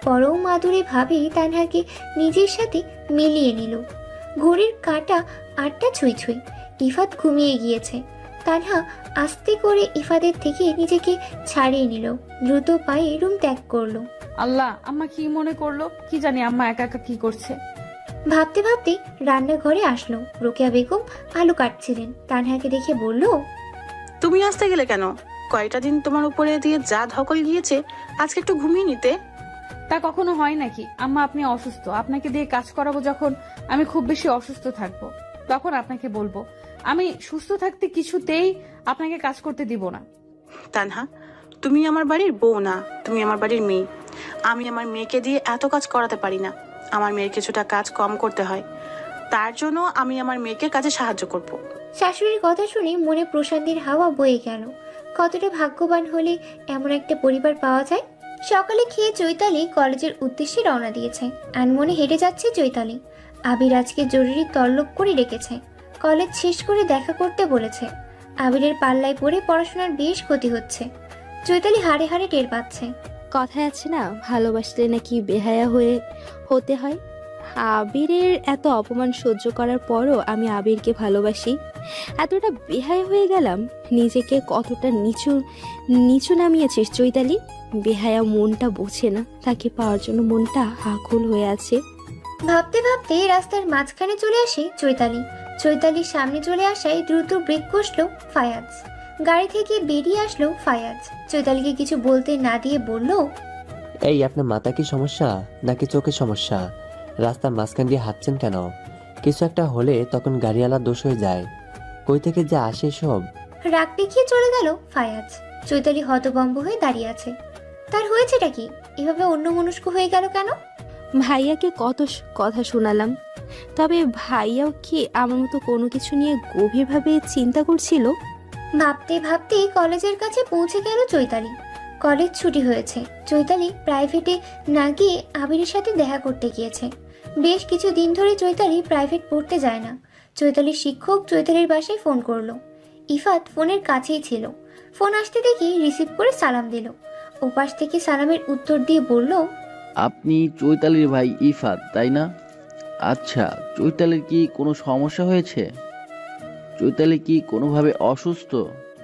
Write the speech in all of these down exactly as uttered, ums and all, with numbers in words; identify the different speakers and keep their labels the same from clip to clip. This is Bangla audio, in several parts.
Speaker 1: পরম আদরে ভাবে তানহাকে নিজের সাথে মিলিয়ে নিল। ঘড়ির কাঁটা আটটা ছুঁই ছুঁই। ইফাত ঘুমিয়ে গিয়েছে। তানহা আস্তে করে ইফাদের থেকে নিজেকে ছাড়িয়ে নিল, দ্রুত পায়ে রুম ত্যাগ করলো।
Speaker 2: আল্লাহ, আম্মা কি মনে করলো কি জানি, আম্মা একা একা কি করছে।
Speaker 1: ভাবতে ভাবতে রান্নাঘরে আসলো। রোকেয়া বেগম আলু কাটছিলেন। তানহাকে দেখে বলল,
Speaker 3: তুমি আসতে গেলে কেন? কয়টা দিন তোমার উপরে দিয়ে যা ধকল গিয়েছে, আজকে একটু ঘুমিয়ে নিতে।
Speaker 2: তা কখনো হয় নাকি আম্মা? আপনি অসুস্থ, আপনাকে দিয়ে কাজ করাবো যখন আমি খুব বেশি অসুস্থ থাকবো তখন আপনাকে বলবো। আমি সুস্থ থাকতে কিছুতেই আপনাকে কাজ করতে দিব না।
Speaker 3: তানহা, তুমি আমার বাড়ির বউ না, তুমি আমার বাড়ির মেয়ে। আমি আমার মেয়েকে দিয়ে এত কাজ করাতে পারি না। আমার মেয়ের কিছুটা কাজ কম করতে হয়, তার জন্য আমি আমার মেয়েকে কাজে সাহায্য করব।
Speaker 1: শাশুড়ির কথা শুনে মনে প্রশান্তির হাওয়া বয়ে গেল। কতটা ভাগ্যবান হলে এমন একটা পরিবার পাওয়া যায়। সকালে খেয়ে চৈতালি কলেজের উদ্দেশ্যে রওনা দিয়েছে। আনমনে হেঁটে যাচ্ছে চৈতালি। আবির আজকে জরুরি তলব করে ডেকেছে। কলেজ শেষ করে দেখা করতে বলেছে। আবিরের পাল্লায় পড়ে পড়াশোনার বেশ ক্ষতি হচ্ছে। চৈতালি হাড়ে হাড়ে টের পাচ্ছে।
Speaker 4: কথায় আছে না, ভালোবাসলে নাকি বেহায়া হয়ে হতে হয়। আবিরের এত অপমান সহ্য করার পরও আমি আবিরকে ভালোবাসি। এতটা বেহায়া হয়ে গেলাম, নিজেকে কতটা নিচু নিচু নামিয়েছিস চৈতালি। বেহায়া মনটা বোঝে না, তাকে পাওয়ার জন্য মনটা আকুল হয়ে আছে।
Speaker 1: ভাবতে ভাবতে রাস্তার মাঝখানে চলে আসে চৈতালি। চৈতালির সামনে চলে আসায় দ্রুত ব্রেক কষলো ফায়াজ। গাড়ি থেকে বেরিয়ে আসলো ফায়াজ। চৈতালিকে কিছু বলতে না দিয়ে বলল,
Speaker 5: এই আপনার মাথা কি সমস্যা নাকি চোখের সমস্যা? রাস্তার মাঝখান দিয়ে হাঁটছেন কেন? কিছু একটা হলে তখন গাড়িওয়ালা দোষ হয়ে যায়। কই থেকে যে আসে সব।
Speaker 1: রাগ দেখিয়ে চলে গেল ফায়াজ। চৈতালি হতভম্ব হয়ে দাঁড়িয়ে আছে। তার হয়েছেটা কি? এভাবে অন্যমনস্ক হয়ে গেল কেন?
Speaker 4: ভাইয়াকে কত স- কথা শোনালাম, তবে ভাইয়াও কি আমার মতো কোনো কিছু নিয়ে গভীরভাবে চিন্তা করছিল?
Speaker 1: ভাবতে ভাবতে কলেজের কাছে পৌঁছে গেল চৈতালি। কলেজ ছুটি হয়েছে। চৈতালি প্রাইভেটে না গিয়ে আবিরের সাথে দেখা করতে গিয়েছে। বেশ কিছু দিন ধরে চৈতালি প্রাইভেট পড়তে যায় না। চৈতালির শিক্ষক চৈতালির বাসায় ফোন করলো। ইফাত ফোনের কাছেই ছিল। ফোন আসতে দেখে রিসিভ করে সালাম দিল। ওপাশ থেকে সালামের উত্তর দিয়ে বলল,
Speaker 6: আপনি চৈতালির ভাই ইফাত, তাই না? আচ্ছা, চৈতালির কি কোনো সমস্যা হয়েছে? চৈতালি কি কোনোভাবে অসুস্থ?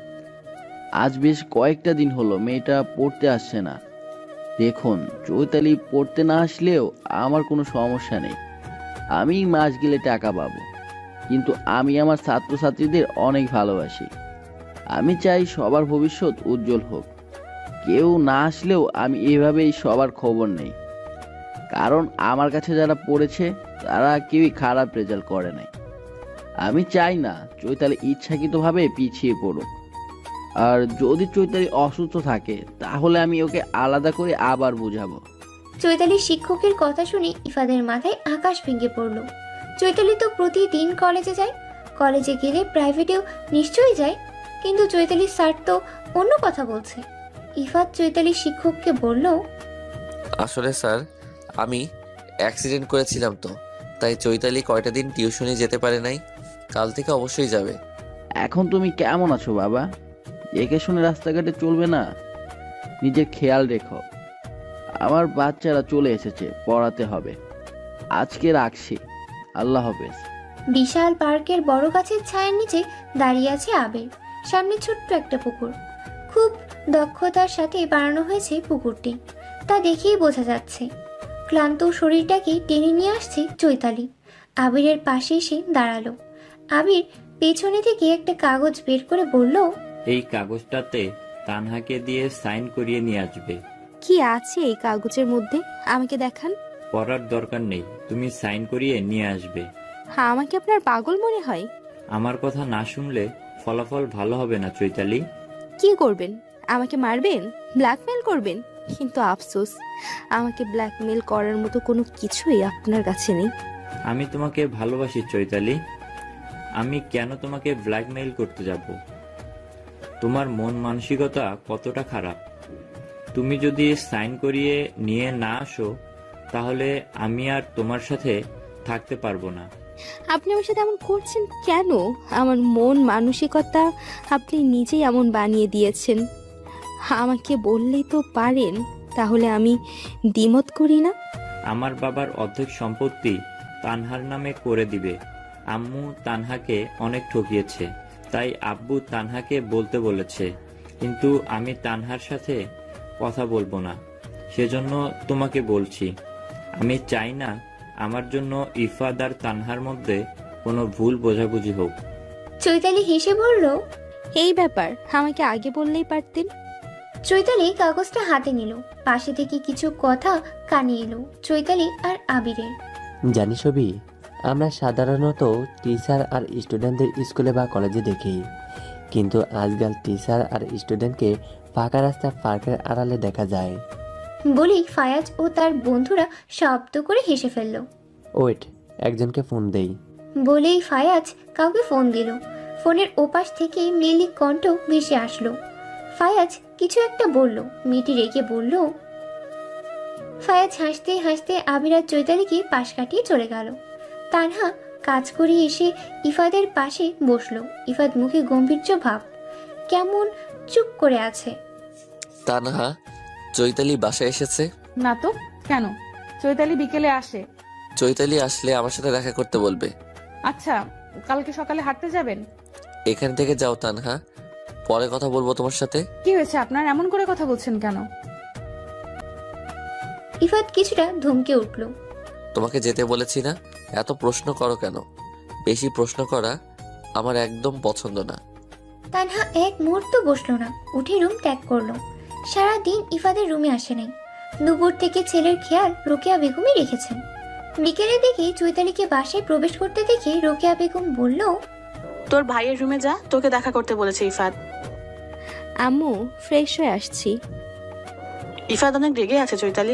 Speaker 6: আজ বেশ কয়েকটা দিন হলো মেয়েটা পড়তে আসছে না। দেখুন, চৈতালি পড়তে না আসলেও আমার কোনো সমস্যা নেই। আমি মাস গেলে টাকা পাবো, কিন্তু আমি আমার ছাত্রছাত্রীদের অনেক ভালোবাসি। আমি চাই সবার ভবিষ্যৎ উজ্জ্বল হোক। কেউ না আসলেও আমি এভাবেই সবার খবর নেই, কারণ আমার কাছে যারা পড়েছে তারা কেউই খারাপ রেজাল্ট করে নাই। আমি চাই না চৈতালি ইচ্ছাকৃতভাবে পিছিয়ে পড়ুক। আর যদি চৈতালি অসুস্থ থাকে তাহলে আমি ওকে আলাদা করে আবার বুঝাবো।
Speaker 1: চৈতালির শিক্ষকের কথা শুনে ইফাদের মাথায় আকাশ ভেঙে পড়ল। চৈতালি তো প্রতিদিন কলেজে যায়। কলেজে গেলে প্রাইভেটেও নিশ্চয়ই যায়, কিন্তু চৈতালির স্যার তো অন্য কথা বলছে। ইফাত চৈতালির শিক্ষককে বলল,
Speaker 7: আসলে স্যার, আমি অ্যাক্সিডেন্ট করেছিলাম তো, তাই চৈতালি কয়টা দিন টিউশনে যেতে পারে নাই। কাল থেকে অবশ্যই যাবে।
Speaker 6: এখন তুমি কেমন আছো বাবা? একে শুনে রাস্তাঘাটে চলবে না, নিজের খেয়াল রেখো। আমার বাচ্চারা চলে এসেছে, পড়াতে হবে। আজকে রাখছি, আল্লাহ হাফেজ।
Speaker 1: বিশাল পার্কের বড় গাছের ছায়ার নিচে দাঁড়িয়ে আছে আবির। সামনে ছোট্ট একটা পুকুর। খুব দক্ষতার সাথে বানানো হয়েছে পুকুরটি, তা দেখেই বোঝা যাচ্ছে। ক্লান্ত শরীরটাকে টেনে নিয়ে আসছে চৈতালি। আবিরের পাশে এসে দাঁড়ালো। আবির পেছনে থেকে একটা কাগজ বের করে বলল,
Speaker 8: এই কাগজটাতে তানহাকে দিয়ে সাইন করিয়ে নিয়ে আসবে।
Speaker 4: কি আছে এই কাগজের মধ্যে? আমাকে দেখান।
Speaker 8: পড়ার দরকার নেই, তুমি সাইন করিয়ে নিয়ে আসবে।
Speaker 4: হ্যাঁ, আমাকে আপনার পাগল মনে হয়?
Speaker 8: আমার কথা না শুনলে ফলাফল ভালো হবে না চৈতালি।
Speaker 4: কি করবেন? আমাকে মারবেন? ব্ল্যাকমেল করবেন? কিন্তু আফসোস, আমাকে ব্ল্যাকমেল করার মতো কোনো কিছুই আপনার কাছে নেই।
Speaker 8: আমি তোমাকে ভালোবাসি চৈতালি। আমি কেন তোমাকে ব্ল্যাকমেইল করতে যাব? তোমার মন মানসিকতা কতটা খারাপ। তুমি যদি সাইন করিয়ে নিয়ে না আসো তাহলে আমি আর তোমার সাথে থাকতে পারবো না।
Speaker 4: আপনি আমার সাথে এমন করছেন কেন? আমার মন মানসিকতা আপনি নিজেই এমন বানিয়ে দিয়েছেন। আমাকে বললেই তো পারেন, তাহলে আমি দ্বিমত করি না।
Speaker 8: আমার বাবার অর্ধেক সম্পত্তি তানহার নামে করে দিবে। আম্মু তানহাকে অনেক ঠকিয়েছে, তাই আব্বু তানহাকে বলতে বলেছে, কিন্তু আমি তানহার সাথে কথা বলবো না। সেজন্য তোমাকে বলছি। আমি চাই না আমার জন্য ইফাদ আর তানহার মধ্যে কোনো ভুল বোঝাবুঝি হোক।
Speaker 1: চৈতালি হেসে বলল,
Speaker 4: এই ব্যাপার আমাকে আগে বললেই পারতেন।
Speaker 1: চৈতালি কাগজটা হাতে নিল। পাশে থেকে কিছু কথা কানে এলো চৈতালি আর আবিরের।
Speaker 5: জানিস সবই, আমরা সাধারণত টিচার আর স্টুডেন্টদের স্কুলে বা কলেজে দেখি, কিন্তু আজকাল টিচার আর স্টুডেন্টকে ফাঁকা রাস্তা পার্কের আড়ালে দেখা যায়।
Speaker 1: বলেই ফায়াজ ও তার বন্ধুরা শব্দ করে হেসে ফেলল।
Speaker 5: ওয়েট, একজনকে ফোন দেই।
Speaker 1: বলেই ফায়াজ কাউকে ফোন দিল। ফোনের ওপাশ থেকে মেয়েলি কণ্ঠ ভেসে আসলো। ফায়াজ কিছু একটা বলল। মেয়েটি রেগে বলল। ফায়াজ হাসতে হাসতে আবির আর চৈতালিকে পাশ কাটিয়ে চলে গেল। তানহা কাজ করে এসে ইফাদের পাশে বসলো। ইফাদ মুখে গম্ভীর্য ভাব, কেমন চুপ করে আছে।
Speaker 7: তানহা, চৈতালি বাসায় এসেছে?
Speaker 2: না তো, কেন? চৈতালি বিকেলে আসে।
Speaker 7: চৈতালি আসলে আমার সাথে দেখা করতে বলবে।
Speaker 2: আচ্ছা, কালকে সকালে হাঁটতে যাবেন?
Speaker 7: এখান থেকে যাও তানহা, পরে কথা বলবো তোমার সাথে।
Speaker 2: কি হয়েছে আপনার, এমন করে কথা বলছেন কেন?
Speaker 1: ইফাদ কিছুটা ধমকে উঠল।
Speaker 7: তোমাকে যেতে বলেছি না? এত প্রশ্ন করো কেন? বেশি প্রশ্ন করা আমার একদম পছন্দ না।
Speaker 1: তানহা এক মুহূর্ত বসলো না, উঠে রুম ত্যাগ করলো। সারাদিন ইফাদের রুমে আসে নাই। দুপুর থেকে ছেলের খেয়াল রোকেয়া বেগমই রেখেছেন। বিকেলের দিকে চৈতালিকে বাসায় প্রবেশ করতে দেখে রোকেয়া বেগম বলল,
Speaker 3: তোর ভাইয়ের রুমে যা, তোকে দেখা করতে বলেছে ইফাদ।
Speaker 4: আম্মু, ফ্রেশ হয়ে আসছি।
Speaker 3: ইফাদ অনেক রেগে আছে চৈতালি।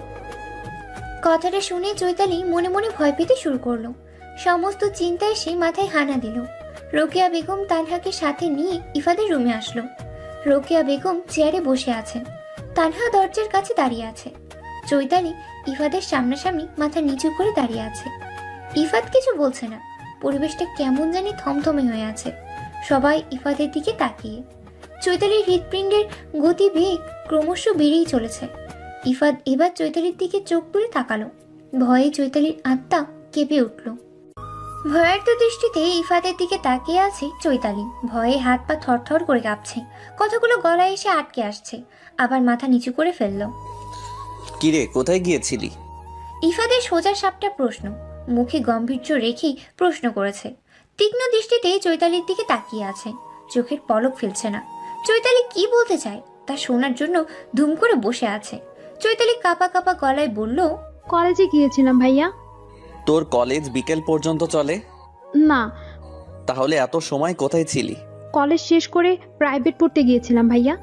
Speaker 1: কথাটা শুনে চৈতালি মনে মনে ভয় পেতে শুরু করলো। সমস্ত চিন্তায় সে মাথায় হানা দিল। রোকেয়া বেগম তানহাকে সাথে নিয়ে ইফাদের রুমে আসলো। রোকেয়া বেগম চেয়ারে বসে আছেন। তানহা দরজার কাছে দাঁড়িয়ে আছে। চৈতালি ইফাদের সামনাসামনি মাথা নিচু করে দাঁড়িয়ে আছে। ইফাদ কিছু বলছে না। পরিবেশটা কেমন জানি থমথমে হয়ে আছে। সবাই ইফাদের দিকে তাকিয়ে। চৈতালির হৃৎপিণ্ডের গতিবেগ ক্রমশ বেড়েই চলেছে। ইফাদ এবার চৈতালির দিকে চোখ তুলে তাকালো। ভয়ে চৈতালির আত্মা কেঁপে উঠল। ভয়ার্ত দৃষ্টিতে ইফাদের দিকে তাকিয়ে আছে চৈতালি। ভয়ে হাত পা থরথর করে কাঁপছে। কথাগুলো গলায় এসে আটকে আসছে। আবার মাথা নিচু করে ফেলল।
Speaker 7: কিরে, কোথায় গিয়েছিলি?
Speaker 1: ইফাদের সোজা সাপটা প্রশ্ন। মুখে গম্ভীর্য রেখেই প্রশ্ন করেছে। তীক্ষ্ণ দৃষ্টিতে চৈতালির দিকে তাকিয়ে আছে। চোখের পলক ফেলছে না। চৈতালি কি বলতে চায় তা শোনার জন্য ধুম করে বসে আছে। চৈতালি কাঁপা কাঁপা গলায় বলল,
Speaker 9: কলেজে গিয়েছিলাম ভাইয়া।
Speaker 10: তোর কলেজ বিকেল পর্যন্ত চলে?
Speaker 9: না,
Speaker 10: তাহলে এত সময় কোথায় ছিলি?
Speaker 9: কলেজ শেষ করে প্রাইভেট পড়তে গিয়েছিলাম ভাইয়া।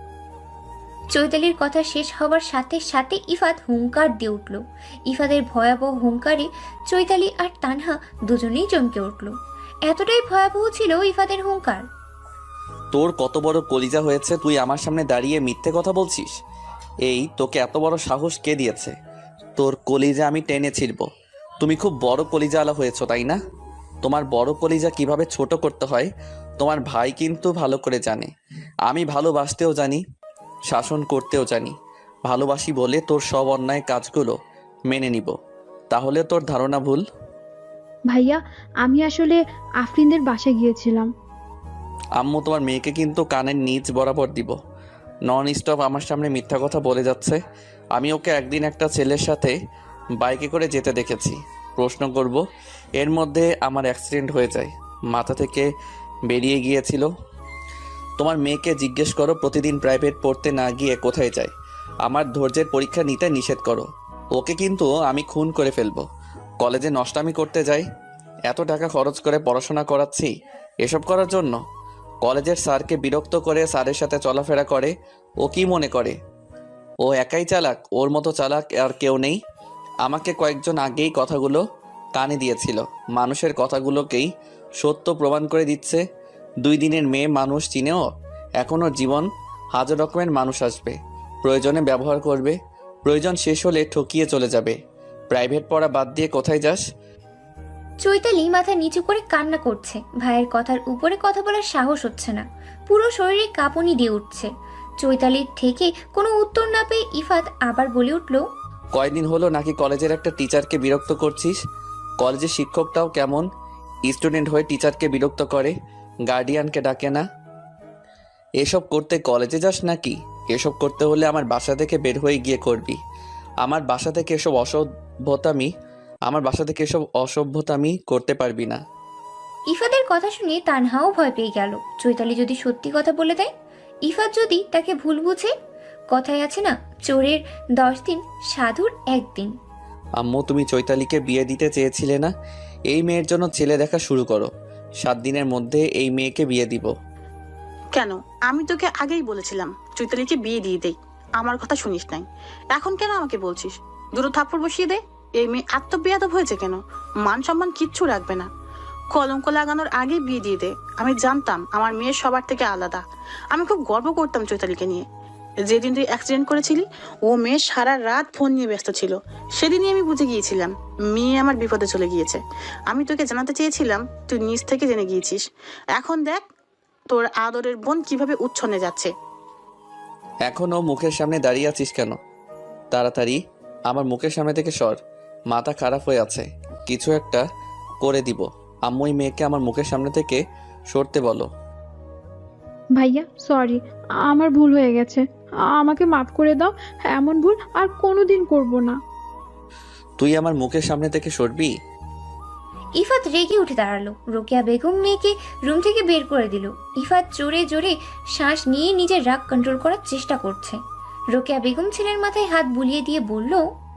Speaker 1: চৈতালির কথা শেষ হবার সাথে সাথে ইফাদ হুঙ্কার দিয়ে উঠল। ইফাদের ভয়াবহ হুঙ্কারে চৈতালি আর তানহা দুজনেই চমকে উঠল। এতটাই ভয়াবহ ছিল ইফাদের হুঙ্কার।
Speaker 10: তোর কত বড় কলিজা হয়েছে, তুই আমার সামনে দাঁড়িয়ে মিথ্যে কথা বলছিস? এই তোকে এত বড় সাহস কে দিয়েছে? তোর কলিজা আমি টেনে ছিড়ব। তুমি খুব বড় কলিজাওয়ালা হয়েছো, তাই না? তোমার বড় কলিজা কিভাবে ছোট করতে হয় তোমার ভাই কিন্তু ভালো করে জানে। আমি ভালোবাসতেও জানি, শাসন করতেও জানি। ভালোবাসি বলে তোর সব অন্যায় কাজগুলো মেনে নিব, তাহলে তোর ধারণা ভুল।
Speaker 9: ভাইয়া, আমি আসলে আফরিনদের বাসায় গিয়েছিলাম।
Speaker 10: আম্মু তোমার মেয়েকে কিন্তু কানের নিচ বরাবর দিব। নন স্টপ আমার সামনে মিথ্যা কথা বলে যাচ্ছে। আমি ওকে একদিন একটা ছেলের সাথে বাইকে করে যেতে দেখেছি। প্রশ্ন করব, এর মধ্যে আমার অ্যাক্সিডেন্ট হয়ে যায়, মাথা থেকে বেরিয়ে গিয়েছিল। তোমার মেয়েকে জিজ্ঞেস করো প্রতিদিন প্রাইভেট পড়তে না গিয়ে কোথায় যায়। আমার ধৈর্যের পরীক্ষা নিতে নিষেধ করো। ওকে কিন্তু আমি খুন করে ফেলবো। কলেজে নষ্টামি করতে যাই, এত টাকা খরচ করে পড়াশোনা করাচ্ছি এসব করার জন্য। কলেজের স্যারকে বিরক্ত করে স্যারের সাথে চলাফেরা করে। ও কি মনে করে ও একাই চালাক? ওর মতো চালাক আর কেউ নেই। আমাকে কয়েকজন আগেই কথাগুলো কানে দিয়েছিল। মানুষের কথাগুলোকেই সত্য প্রমাণ করে দিচ্ছে। দুই দিনের মেয়ে মানুষ চিনেও এখন ওর জীবন হাজার রকমের মানুষ আসবে, প্রয়োজনে ব্যবহার করবে, প্রয়োজন শেষ হলে ঠকিয়ে চলে যাবে। প্রাইভেট পড়া বাদ দিয়ে কোথায় যাস?
Speaker 1: চৈতালি মাথা নিচু করে কান্না করছে। ভাইয়ের কথার উপরে কথা বলার সাহস হচ্ছে না। পুরো শরীরে কাঁপুনি দিয়ে উঠছে। চৈতালির থেকে কোনো উত্তর না পেয়ে ইফাত আবার বলে উঠল,
Speaker 10: কয়দিন হলো নাকি কলেজের একটা টিচারকে বিরক্ত করছিস? কলেজের শিক্ষকটাও কেমন স্টুডেন্ট হয়ে টিচারকে বিরক্ত করে, গার্ডিয়ানকে ডাকে না। এসব করতে কলেজে যাস নাকি? এসব করতে হলে আমার বাসা থেকে বের হয়ে গিয়ে করবি। আমার বাসা থেকে এসব অসভ্যতামি আমার বাসা থেকে এসব অসভ্যতামি করতে পারবি না।
Speaker 1: ইফাতের কথা শুনে তানহাও ভয় পেয়ে গেল। চৈতালি যদি সত্যি কথা বলে দেয়, ইফাত যদি তাকে ভুল বুঝে। কথায় আছে না, চোরের দশ দিন সাধুর একদিন।
Speaker 10: আম্মু, তুমি চৈতালিকে বিয়ে দিতে চেয়েছিলে না? এই মেয়ের জন্য ছেলে দেখা শুরু করো। সাত দিনের মধ্যে এই মেয়েকে বিয়ে দিব।
Speaker 3: কেন? আমি তোকে আগেই বলেছিলাম চৈতালিকে বিয়ে দিয়ে দেই, আমার কথা শুনিস নাই। এখন কেন আমাকে বলছিস? দুটো থাপ্পড় বসিয়ে দে। এই মেয়ে এত বেয়াদব হয়েছে কেন? মান সম্মান কিচ্ছু রাখবে না। কলঙ্ক লাগানোর আগে বিয়ে দিয়ে দে। আমি জানতাম আমার মেয়ে সবার থেকে আলাদা। আমি খুব গর্ব করতাম চৈতালিকে নিয়ে। যেদিন তুই অ্যাক্সিডেন্ট করেছিলি, ও মেয়ে সারা রাত ফোন নিয়ে ব্যস্ত ছিল। সেদিনই আমি বুঝে গিয়েছিলাম মেয়ে আমার বিপদে চলে গিয়েছে। আমি তোকে জানাতে চেয়েছিলাম, তুই নিজ থেকে জেনে গিয়েছিস। এখন দেখ তোর আদরের বোন কিভাবে উচ্ছন্নে যাচ্ছে।
Speaker 10: এখনও মুখের সামনে দাঁড়িয়ে আছিস কেন? তাড়াতাড়ি আমার মুখের সামনে থেকে সর। মাথা খারাপ হয়ে আছে, কিছু একটা করে দিব। আম্মু, এই মেয়েকে আমার মুখের সামনে থেকে সরতে বলো।
Speaker 9: ভাইয়া সরি, আমার ভুল হয়ে গেছে, আমাকে মাফ করে দাও। এমন ভুল আর কোনোদিন করব না।
Speaker 10: তুই আমার মুখের সামনে থেকে সরবি?
Speaker 1: ইফাত রেগে উঠে দাঁড়ালো। রোকেয়া বেগম মেয়েকে রুম থেকে বের করে দিল। ইফাত জোরে জোরে শ্বাস নিয়ে নিজের রাগ কন্ট্রোল করার চেষ্টা করছে। রোকেয়া বেগম ছেলের মাথায় হাত বুলিয়ে দিয়ে বলল,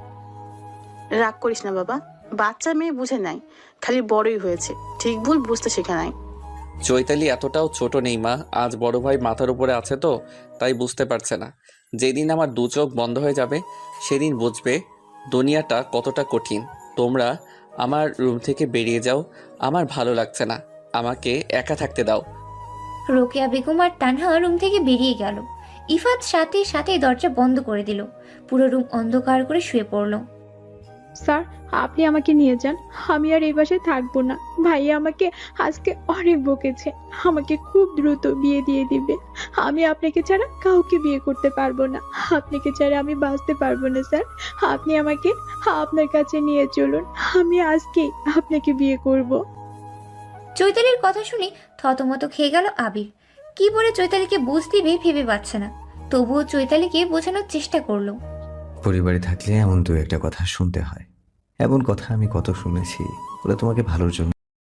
Speaker 3: রাগ করিস না বাবা, বাচ্চা মেয়ে বুঝে নাই, খালি বড়ই হয়েছে, ঠিক ভুল বুঝতে শেখে নাই।
Speaker 10: চৈতালি এতটাও ছোট নেই মা। আজ বড় ভাই মাথার উপরে আছে তো তাই বুঝতে পারছে না। যেদিন আমার দু চোখ বন্ধ হয়ে যাবে সেদিন বুঝবে দুনিয়াটা কতটা কঠিন। তোমরা আমার রুম থেকে বেরিয়ে যাও, আমার ভালো লাগছে না, আমাকে একা থাকতে দাও।
Speaker 1: রোকেয়া বেগম আর তানহা রুম থেকে বেরিয়ে গেল। ইফাত সাথে সাথে দরজা বন্ধ করে দিল। পুরো রুম অন্ধকার করে শুয়ে পড়ল।
Speaker 9: স্যার, আপনি আমাকে নিয়ে যান, আমি আর এই বাসায় থাকবো না। ভাইয়া আমাকে আজকে অনেক বকেছে, আমাকে খুব দ্রুত বিয়ে দিয়ে দিবে। আমি আপনাকে ছাড়া কাউকে বিয়ে করতে পারবো না। আপনাকে ছাড়া আমি বাঁচতে পারবো না স্যার। আপনি আমাকে আপনার কাছে নিয়ে চলুন, আমি আজকেই আপনাকে বিয়ে করব।
Speaker 1: চৈতালির কথা শুনে থতমত খেয়ে গেল আবির। কি বলে চৈতালিকে বুঝ দিবে ভেবে পাচ্ছে না। তবুও চৈতালিকে বোঝানোর চেষ্টা করলো।
Speaker 11: পরিবারে থাকলে এমন দু একটা কথা শুনতে হয়। এমন কথা আমি কত শুনেছি, ওরা তোমাকে ভালোর জন্য